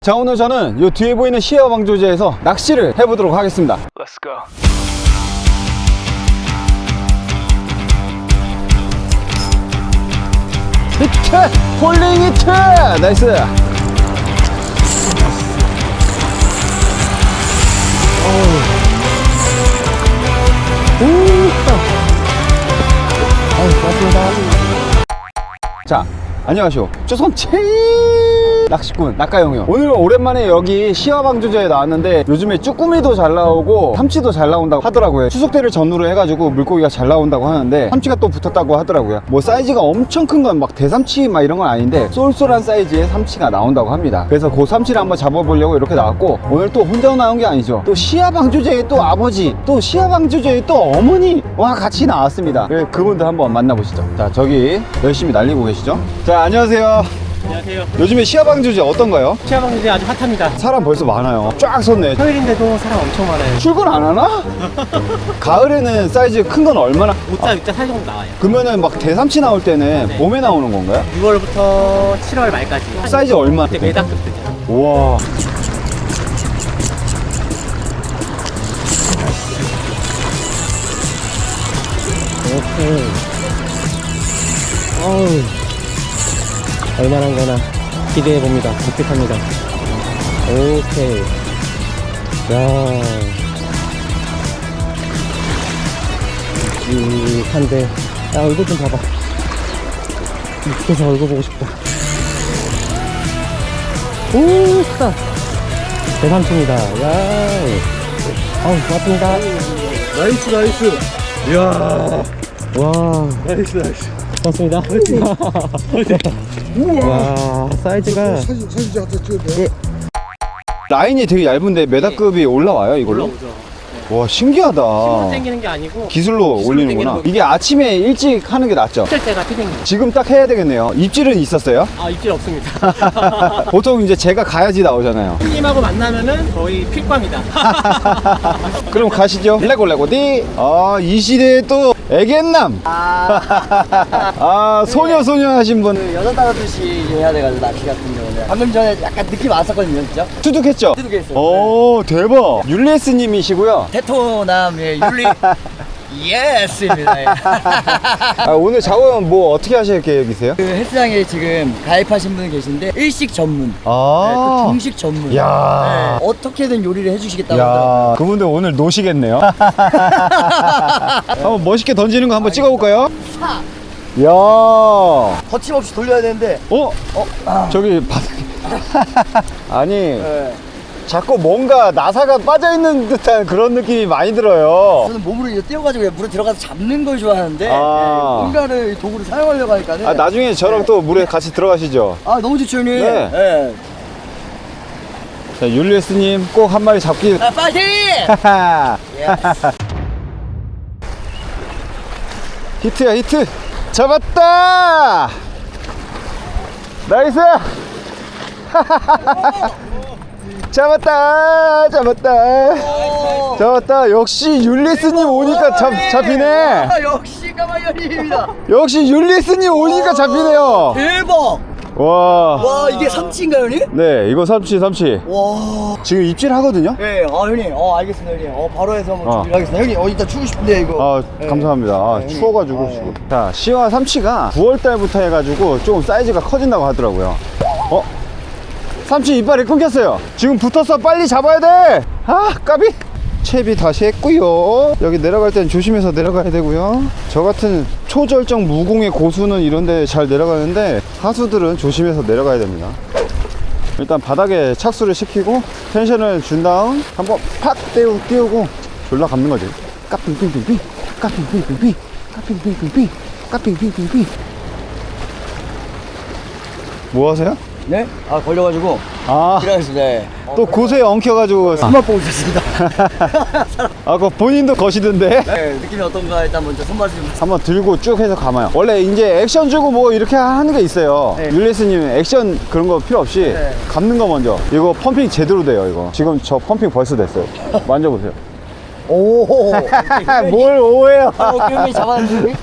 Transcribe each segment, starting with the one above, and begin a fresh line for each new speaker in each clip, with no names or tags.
자, 오늘 저는 요 뒤에 보이는 시야 방조제에서 낚시를 해보도록 하겠습니다.
Let's go.
히트! 폴링 히트! 나이스! 고맙습니다. 자, 안녕하시오. 조선 제일 낚시꾼 낙가영이요. 오늘 오랜만에 여기 시야방조제에 나왔는데 요즘에 쭈꾸미도 잘 나오고 참치도 잘 나온다고 하더라고요. 추석때를 전후로 해가지고 물고기가 잘 나온다고 하는데 참치가 또 붙었다고 하더라고요. 뭐 사이즈가 엄청 큰 건 막 대삼치 막 이런 건 아닌데 쏠쏠한 사이즈의 삼치가 나온다고 합니다. 그래서 그 삼치를 한번 잡아보려고 이렇게 나왔고, 오늘 또 혼자 나온 게 아니죠. 또 시야방조제의 또 아버지, 또 시야방조제의 또 어머니와 같이 나왔습니다. 그래서 그분들 한번 만나보시죠. 자, 저기 열심히 날리고 계시죠. 자, 안녕하세요.
안녕하세요.
요즘에 시야방조제 어떤가요?
시야방조제 아주 핫합니다.
사람 벌써 많아요. 쫙 섰네.
평일인데도 사람 엄청 많아요.
출근 안 하나? 가을에는 사이즈 큰 건 얼마나?
5자, 6자 사이 정도 나와요.
그러면은 막 대삼치 나올 때는
네.
봄에 나오는 건가요?
6월부터 7월 말까지.
사이즈 얼마?
그때 메다급 뜨죠.
우와.
오케이. 어우. 얼마나 거나 기대해봅니다. 기특합니다. 오케이. 야. 한데. 야, 얼굴 좀 봐봐. 밑에서 얼굴 보고 싶다. 오, 크다. 대삼촌이다. 야. 어우, 고맙습니다.
나이스. 이야.
와.
나이스.
고맙습니다. 와, 사이즈가.
사진 갖다 찍어도 돼?
라인이 되게 얇은데 메다급이 올라와요, 이걸로?
올라오죠.
와, 신기하다.
힘으로 당기는 게 아니고
기술로
기술로
올리는구나.
당기는
이게 아침에 일찍 하는 게 낫죠?
입질 때가 피딩이에요.
지금 딱 해야 되겠네요. 입질은 있었어요?
아, 입질 없습니다.
보통 이제 제가 가야지 나오잖아요.
손님하고 만나면은 거의 필광이다.
그럼 가시죠. 레고디. 아, 이 시대에 또 애견남. 아, 소녀 하신 분.
여자 따라듯이 해야 돼가지고 낚시 같은 경우는 방금 전에 약간 느낌 왔었거든요, 진짜.
투둑했죠?
투둑했어요.
오, 대박. 율리에스 님이시고요.
테토남의 율리 예스입니다. 예.
아, 오늘 작업은 뭐 어떻게 하실 계획이세요?
그 헬스장에 지금 가입하신 분이 계신데 일식 전문, 네, 또
아.
중식 전문.
야.
네, 어떻게든 요리를 해주시겠다고 하더라고요.
야, 그분들 오늘 노시겠네요. 한번 멋있게 던지는 거 한번 찍어볼까요? 야,
거침없이 돌려야 되는데.
저기 바닥에. 아니,
네.
자꾸 뭔가 나사가 빠져있는 듯한 그런 느낌이 많이 들어요.
저는 몸으로 이제 띄워가지고 그냥 물에 들어가서 잡는 걸 좋아하는데
아.
네, 뭔가를 도구를 사용하려고 하니까는.
아, 나중에 저랑 또 물에 같이 들어가시죠.
아, 너무 좋죠, 형님.
네.
네.
자, 율리에스님 꼭 한 마리 잡기.
아, 파이팅! 예스.
히트야, 히트. 잡았다. 나이스. 잡았다. 잡았다. 역시 율리스님 오니까 잡히네.
아, 역시 까마귀입니다.
역시 율리스님 오니까 잡히네요.
대박!
와.
와, 이게 삼치인가요, 형님?
네, 이거 삼치.
와.
지금 입질 하거든요.
네, 형님. 알겠습니다, 형님. 바로 해서 한번
어.
준비를 하겠습니다. 형님, 이따 추고 싶은데, 이거.
아,
네.
감사합니다. 아,
네,
추워가지고
형님.
지금. 자, 시와 삼치가 9월달부터 해가지고 조금 사이즈가 커진다고 하더라고요. 삼치 이빨이 끊겼어요. 지금 붙었어. 빨리 잡아야 돼. 아, 까비. 채비 다시 했고요. 여기 내려갈 땐 조심해서 내려가야 되고요. 저 같은 초절정 무공의 고수는 이런데 잘 내려가는데 하수들은 조심해서 내려가야 됩니다. 일단 바닥에 착수를 시키고 텐션을 준 다음 한번 팍 띄우고 졸라 감는 거지. 까핑핑핑핑 까핑핑핑핑 까핑핑핑핑 까핑핑핑핑. 뭐 하세요?
네? 걸려가지고.
아,
들어가겠습니다. 네.
또 고수에 엉켜가지고.
손맛 보고 있었습니다.
아, 그거 본인도 거시던데?
네, 느낌이 어떤가 일단 먼저 손맛을 좀.
한번 들고 쭉 해서 감아요. 원래 이제 액션 주고 뭐 이렇게 하는 게 있어요.
네.
율리스님 액션 그런 거 필요 없이
네.
감는 거 먼저. 이거 펌핑 제대로 돼요, 이거. 지금 저 펌핑 벌써 됐어요. 만져보세요.
오.
뭘 오해요.
형님 잡았는데.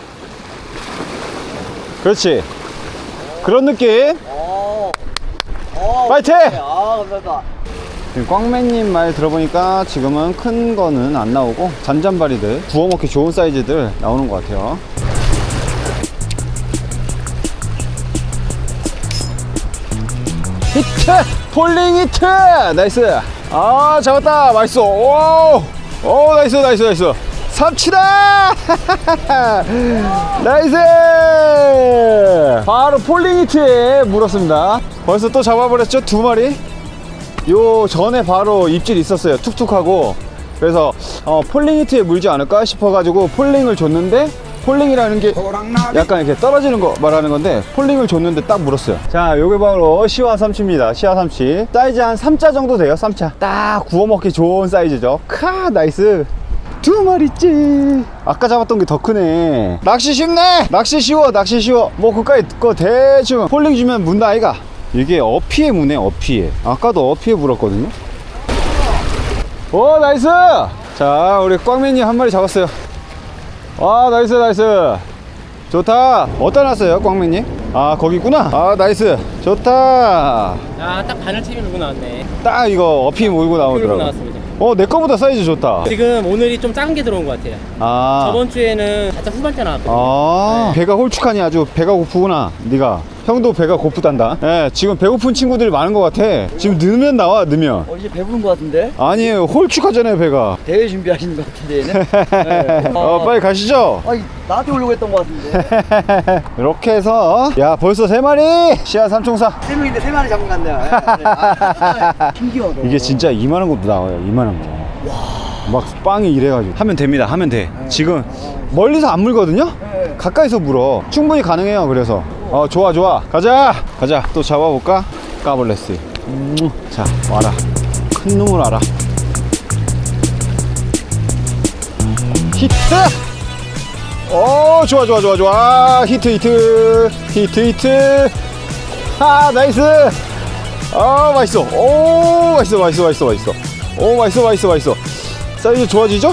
그렇지. 그런 느낌. 파이팅!
아, 감사합니다.
꽝맨님 말 들어보니까 지금은 큰 거는 안 나오고 잔잔바리들 구워 먹기 좋은 사이즈들 나오는 것 같아요. 히트! 폴링 히트! 나이스! 아 잡았다! 맛있어! 오! 오 나이스 나이스 나이스! 삼치다! 나이스! 바로 폴링 히트에 물었습니다. 벌써 또 잡아버렸죠? 2마리? 요 전에 바로 입질 있었어요. 툭툭하고. 그래서 폴링 히트에 물지 않을까 싶어가지고 폴링을 줬는데, 폴링이라는 게 약간 이렇게 떨어지는 거 말하는 건데, 폴링을 줬는데 딱 물었어요. 자, 요게 바로 시화 삼치입니다. 시화 삼치. 사이즈 한 3자 정도 돼요. 3차. 딱 구워 먹기 좋은 사이즈죠. 카 나이스. 2마리째. 아까 잡았던 게 더 크네. 낚시 쉽네. 낚시 쉬워. 낚시 쉬워. 뭐 그까이 거 대충 폴링 주면 문다 아이가. 이게 어피에 무네. 어피에. 아까도 어피에 물었거든요. 오 나이스. 자 우리 꽝맨님 한 마리 잡았어요. 와 나이스 나이스. 좋다. 어디다 놨어요 꽝맨님? 아 거기 있구나. 아 나이스. 좋다.
아, 딱 바늘채비 물고 나왔네.
딱 이거 어피 몰고
물고
나오더라고.
나왔습니다.
내 거보다 사이즈 좋다.
지금 오늘이 좀 작은 게 들어온 것 같아요.
아
저번 주에는 살짝 후반대 나왔거든요.
아 배가 홀쭉하니 아주 배가 고프구나. 네가 형도 배가 고프단다. 예, 지금 배고픈 친구들이 많은 것 같아. 지금 넣으면 나와. 넣으면
이제 배부른 것 같은데?
아니에요. 홀쭉하잖아요 배가.
대회 준비하시는 것 같은데, 얘는? 네.
빨리 가시죠.
아니, 나한테 오려고 했던 것 같은데.
이렇게 해서 야 벌써 3마리 시야 삼총사.
3명인데 3마리 잡은 것 같네요. 신기하다.
이게 진짜 이만한 것도 나와요. 이만한 거. 막 빵이 이래가지고 하면 됩니다. 하면 돼. 지금 멀리서 안 물거든요.
네.
가까이서 물어. 충분히 가능해요. 그래서 좋아 좋아. 가자 가자. 또 잡아볼까? 까볼레스. 자 와라. 큰 놈을 알아. 히트. 오 좋아 좋아 좋아 좋아. 히트 히트 히트 히트. 아 나이스. 아 맛있어. 오 맛있어 맛있어 맛있어 맛있어. 오 맛있어 맛있어 맛있어. 사이즈 좋아지죠?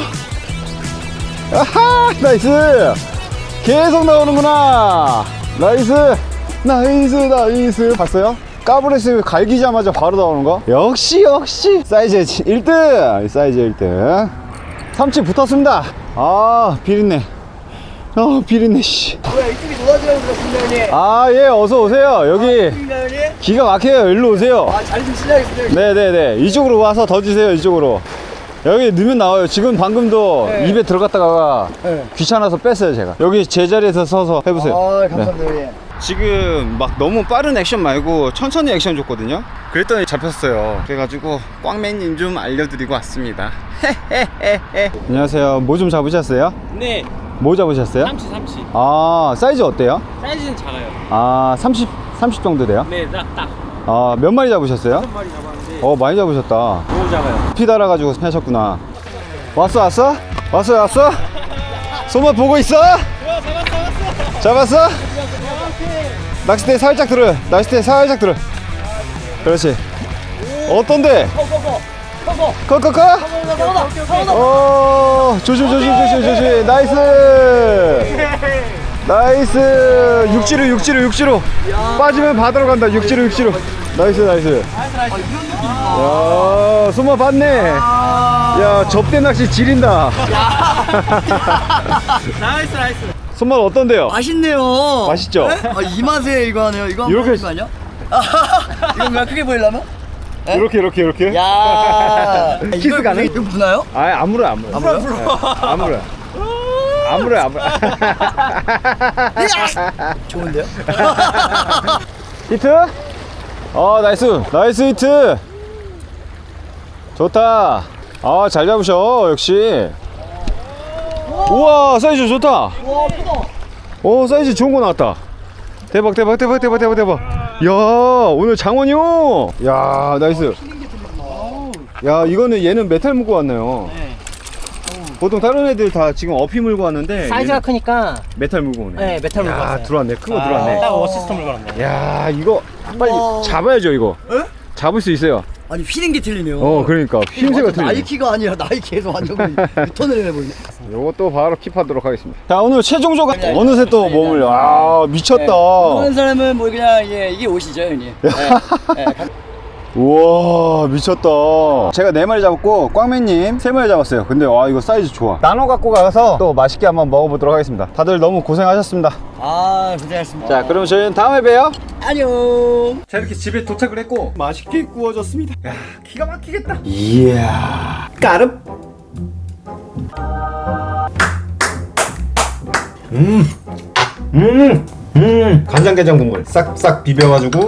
아하 나이스. 계속 나오는구나. 나이스 나이스 나이스. 봤어요? 까브레스 갈기자마자 바로 나오는 거. 역시 사이즈 1등. 사이즈 1등. 삼치 붙었습니다. 아 비린내. 비린내 씨.
뭐야, 이쪽이 도와주라고 그러셨습니다, 형님?
아 예 어서 오세요. 여기
형님?
기가 막혀요. 일로 오세요.
아, 자리 좀 실례하겠습니다, 형님.
네네네. 이쪽으로 와서 더 주세요. 이쪽으로. 여기 넣으면 나와요. 지금 방금도
네.
입에 들어갔다가
네.
귀찮아서 뺐어요 제가. 여기 제자리에서 서서 해보세요.
아, 감사합니다, 형님.
지금 막 너무 빠른 액션 말고 천천히 액션 줬거든요. 그랬더니 잡혔어요. 그래가지고 꽝맨님 좀 알려드리고 왔습니다. 안녕하세요. 뭐 좀 잡으셨어요?
네,
뭐 잡으셨어요?
삼치.
아 사이즈 어때요?
사이즈는 작아요.
아 30 정도 돼요?
네, 딱.
아 몇 마리 잡으셨어요?
한 마리 잡았는데
많이 잡으셨다.
너무 작아요.
피 달아가지고 하셨구나. 왔어? 손맛 보고 있어? 잡았어? 낚싯대 살짝 들어. 그렇지. 어떤데? 커. 조심. 나이스. 육지로. 빠지면 바다로 간다. 육지로. 나이스. 야, 손맛 봤네. 야, 접대 낚시 지린다.
나이스.
손맛 어떤데요?
맛있네요.
맛있죠?
네? 이 맛에 이거 하네요. 이거
이렇게-
한번 거 아니야? 이거 그냥 크게 보이려면? 네?
이렇게.
야,
키스 가능?
이거 부나요?
안 물어요. 안 물어요.
좋은데요?
히트? 나이스 히트. 좋다. 잘 잡으셔. 역시. 우와 사이즈 좋다.
와, 크다.
사이즈 좋은 거 나왔다. 대박. 야 오늘 장원이요. 야 나이스. 야 이거는 얘는 메탈 물고 왔네요. 보통 다른 애들 다 지금 어피 물고 왔는데
사이즈가
얘는
크니까
메탈 물고 오네.
네, 메탈 물고 왔어요.
들어왔네. 큰 거 들어왔네.
딱 어시스트 물고 왔네.
야 이거 빨리
우와.
잡아야죠 이거.
에?
잡을 수 있어요.
아니 휘는 게 틀리네요.
그러니까 휘임새가
완전 나이키가 아니라 나이키에서 완전 유턴을 해버리네.
요것도 바로 킵하도록 하겠습니다. 자, 오늘 최종조가 어느새 또 몸을 미쳤다.
하는 사람은 뭐 그냥 이게 옷이죠, 형님.
우와, 미쳤다. 제가 4마리 잡았고 꽝맨님 3마리 잡았어요. 근데 와, 이거 사이즈 좋아. 나눠 갖고 가서 또 맛있게 한번 먹어보도록 하겠습니다. 다들 너무 고생하셨습니다.
아, 고생하셨습니다.
자, 그럼 저희는 다음에 봬요.
안녕.
자, 이렇게 집에 도착을 했고 맛있게 구워졌습니다. 야, 기가 막히겠다. 이야, 까릅. 간장게장 국물 싹싹 비벼가지고.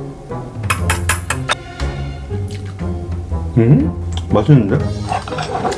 맛있는데?